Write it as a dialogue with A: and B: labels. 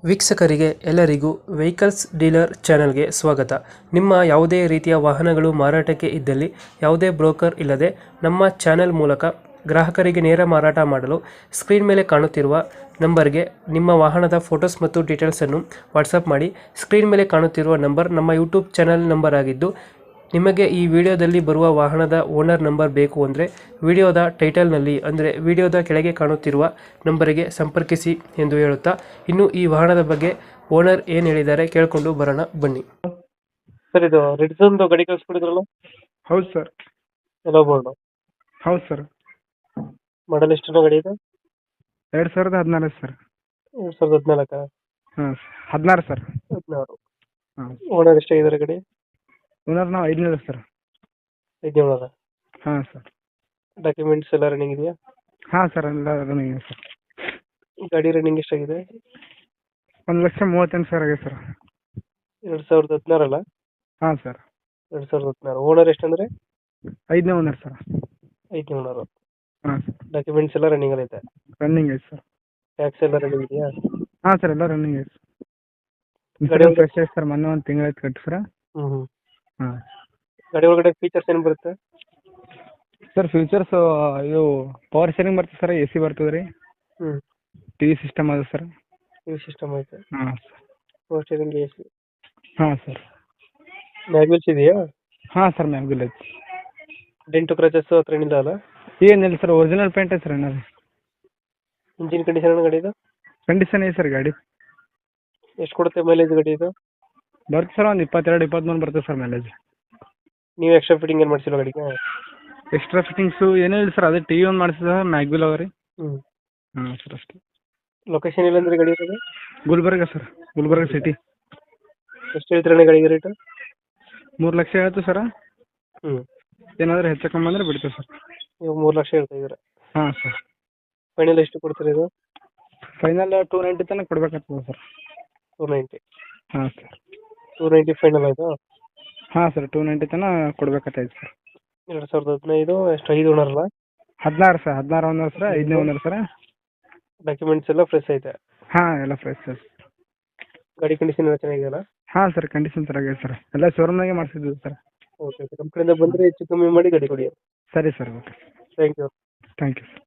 A: ವೀಕ್ಷಕರಿಗೆ ಎಲ್ಲರಿಗೂ vehicles dealer ಚಾನೆಲ್ಗೆ ಸ್ವಾಗತ. ನಿಮ್ಮ ಯಾವುದೇ ರೀತಿಯ ವಾಹನಗಳು ಮಾರಾಟಕ್ಕೆ ಇದ್ದಲ್ಲಿ ಯಾವುದೇ ಬ್ರೋಕರ್ ಇಲ್ಲದೆ ನಮ್ಮ ಚಾನೆಲ್ ಮೂಲಕ ಗ್ರಾಹಕರಿಗೆ ನೇರ ಮಾರಾಟ ಮಾಡಲು ಸ್ಕ್ರೀನ್ ಮೇಲೆ ಕಾಣುತ್ತಿರುವ ನಂಬರ್ಗೆ ನಿಮ್ಮ ವಾಹನದ ಫೋಟೋಸ್ ಮತ್ತು ಡೀಟೇಲ್ಸನ್ನು ವಾಟ್ಸಪ್ ಮಾಡಿ. ಸ್ಕ್ರೀನ್ ಮೇಲೆ ಕಾಣುತ್ತಿರುವ ನಂಬರ್ ನಮ್ಮ ಯೂಟ್ಯೂಬ್ ಚಾನೆಲ್ ನಂಬರ್ ಆಗಿದ್ದು, ನಿಮಗೆ ಈ ವಿಡಿಯೋದಲ್ಲಿ ಬರುವ ವಾಹನದ ಓನರ್ ನಂಬರ್ ಬೇಕು ಅಂದರೆ ವಿಡಿಯೋದ ಟೈಟಲ್ನಲ್ಲಿ ಅಂದರೆ ವಿಡಿಯೋದ ಕೆಳಗೆ ಕಾಣುತ್ತಿರುವ ನಂಬರಿಗೆ ಸಂಪರ್ಕಿಸಿ ಎಂದು ಹೇಳುತ್ತಾ, ಇನ್ನು ಈ ವಾಹನದ ಬಗ್ಗೆ ಓನರ್ ಏನು ಹೇಳಿದ್ದಾರೆ ಕೇಳಿಕೊಂಡು ಬರೋಣ ಬನ್ನಿ. ಸರ್, ಇದು ರೆಡ್ಸನ್ ಗಾಡಿ ಕಳಿಸ್ಕೊಡಿದ್ರಲ್ಲ?
B: ಹೌದು ಸರ್.
A: ಎಲ್ಲ ಬೋರ್ಡು
B: ಹೌದು ಸರ್.
A: ಮಾಡಲ್ ಎಷ್ಟು ಗಾಡಿ ಇದೆ?
B: 2014 ಸರ್.
A: 2014?
B: ಹಾಂ, 16 ಸರ್.
A: 16.
B: ಹಾಂ.
A: ಓನರ್ ಎಷ್ಟಾಗಿದ್ದಾರೆ ಗಾಡಿ?
B: ಓನರ್ ನಾವು 5 ಸರ್.
A: 5
B: ಹಾಂ ಸರ್.
A: ಡಾಕ್ಯುಮೆಂಟ್ಸ್ ಎಲ್ಲ ರನ್ನಿಂಗ್ ಇದೆಯಾ?
B: ಹಾಂ ಸರ್, ಎಲ್ಲ ರನ್ನಿಂಗ್ ಇದೆ ಸರ್.
A: ಗಾಡಿ ರನ್ನಿಂಗ್ ಎಷ್ಟಾಗಿದೆ?
B: 1,38,000 ಆಗಿದೆ ಸರ್.
A: 2016 ಅಲ್ಲ?
B: ಹಾಂ ಸರ್.
A: 2016. ಓನರ್ ಎಷ್ಟಂದ್ರೆ?
B: 5ನೇ ಓನರ್ ಸರ್.
A: 5 ಓನರ್.
B: ಹಾಂ ಸರ್.
A: ಡಾಕ್ಯುಮೆಂಟ್ಸ್ ಎಲ್ಲ ರನ್ನಿಂಗ್ ಐತೆ?
B: ರನ್ನಿಂಗ್ ಐತೆ ಸರ್.
A: ಟ್ಯಾಕ್ಸ್ ಎಲ್ಲ ರನ್ನಿಂಗ್ ಇದೆಯಾ?
B: ಹಾಂ ಸರ್, ಎಲ್ಲ ರನ್ನಿಂಗ್ ಐತೆ ಸರ್.
A: ಗಾಡಿ
B: ಇನ್ಸೂರೆನ್ಸ್ ಫ್ರೆಶ್ ಐತೆ ಸರ್. ಮೊನ್ನೆ 1 ತಿಂಗಳು ಆಯ್ತು ಕಟ್ಟಿ ಸರ್.
A: ಹ್ಞೂ.
B: ಹಾಂ.
A: ಗಾಡಿ ಒಳಗಡೆ ಫೀಚರ್ಸ್ ಏನು ಬರುತ್ತೆ?
B: ಸರ್ ಫೀಚರ್ಸು ಇದು ಪವರ್ ಶೇರಿಂಗ್ ಬರ್ತದೆ ಸರ್, AC ಬರ್ತದೆ ರೀ,
A: ಹ್ಞೂ.
B: TV ಸಿಸ್ಟಮ್ ಅದ ಸರ್.
A: ಈ ಸಿಸ್ಟಮ್ ಐತೆ?
B: ಹಾಂ ಸರ್.
A: Power steering, AC.
B: ಹಾಂ ಸರ್.
A: ಮ್ಯಾಗ್ವಿಲ್ಸ್ ಇದೆಯಾ?
B: ಹಾಂ ಸರ್, ಮ್ಯಾಗ್ವಿಲ್ ಐತಿ.
A: ಡೆಂಟು ಕ್ರಚಸ್ ಹತ್ರ ಏನಿಲ್ಲ ಅಲ್ಲ?
B: ಏನಿಲ್ಲ ಸರ್, ಒರಿಜಿನಲ್ ಪೇಂಟ್ ಐತೆ ಸರ್ ಏನಾದ್ರು.
A: ಇಂಜಿನ್ ಕಂಡೀಷನ್ ಗಾಡಿದು?
B: ಕಂಡೀಷನ್ ಐತೆ ಸರ್ ಗಾಡಿ.
A: ಎಷ್ಟು ಕೊಡುತ್ತೆ ಮೈಲೇಜ್ ಗಾಡಿ ಇದು?
B: ಬರುತ್ತೆ ಸರ್, ಒಂದು 22-23 ಬರ್ತದೆ ಸರ್ ಮೈಲೇಜ್.
A: ನೀವು ಎಕ್ಸ್ಟ್ರಾ ಫಿಟ್ಟಿಂಗ್ ಏನು ಮಾಡಿಸಿಲ್ಲ ಗಾಡಿಗೆ?
B: ಎಕ್ಸ್ಟ್ರಾ ಫಿಟ್ಟಿಂಗ್ಸು ಏನೂ ಇಲ್ಲ ಸರ್, ಅದೇ TV ಒಂದು ಮಾಡಿಸಿದ ಮ್ಯಾಗ್ವಿಲ್ ಅವ ರೀ.
A: ಹ್ಞೂ.
B: ಹಾಂ ಸರ್, ಅಷ್ಟೇ.
A: ಲೊಕೇಶನ್ ಇಲ್ಲಂದ್ರೆ ಗಾಡಿ ಇರೋದು?
B: Gulbarga sir, Gulbarga city.
A: ಎಷ್ಟು ಹೇಳ್ತೀರಣ್ಣ ಗಾಡಿಗೆ ರೇಟು?
B: 3 ಲಕ್ಷ ಹೇಳ್ತು ಸರ್.
A: ಹ್ಞೂ.
B: ಏನಾದರೂ ಹೆಚ್ಚು ಕಮ್ಮಿ ಅಂದರೆ ಬಿಡ್ತೀವಿ ಸರ್.
A: ನೀವು 3 ಲಕ್ಷ ಹೇಳ್ತಾ ಇದ್ದೀರಾ?
B: ಹಾಂ ಸರ್.
A: ಫೈನಲ್ ಎಷ್ಟು ಕೊಡ್ತೀರಾ ಇದು?
B: ಫೈನಲ್ 290 ತನಕ ಕೊಡ್ಬೇಕಾಗ್ತದೆ ಸರ್.
A: 290?
B: ಹಾಂ ಸರ್.
A: 290 ಫೈನಲ್ ಆಯಿತು?
B: ಹಾಂ ಸರ್, 290 ತನಕ ಕೊಡ್ಬೇಕಾಗ್ತೈತೆ ಸರ್.
A: 2015 ಎಷ್ಟು 5 ಓನರ್ ಅಲ್ಲ?
B: 16 ಸರ್, 16 ಓನರ್ ಸರ್, 5ನೇ ಓನರ್ ಸರ್.
A: ಡಾಕ್ಯುಮೆಂಟ್ಸ್ ಎಲ್ಲ ಫ್ರೆಶ್ ಐತೆ?
B: ಹಾಂ, ಎಲ್ಲ ಫ್ರೆಶ್ ಸರ್.
A: ಗಾಡಿ ಕಂಡೀಷನ್ ಎಲ್ಲ ಚೆನ್ನಾಗಿದೆಯಲ್ಲ?
B: ಹಾಂ ಸರ್, ಕಂಡೀಷನ್ ಚೆನ್ನಾಗಿದೆ ಸರ್, ಎಲ್ಲ ಶೋರೂಮ್ನಾಗೆ ಮಾಡಿಸಿದ್ವಿ ಸರ್.
A: Okay okay. ನಮ್ಮ ಕಡೆಯಿಂದ ಬಂದರೆ ಹೆಚ್ಚು ಕಮ್ಮಿ ಮಾಡಿ ಗಾಡಿ ಕೊಡಿ.
B: ಸರಿ sir, okay.
A: Thank you.
B: Thank you sir.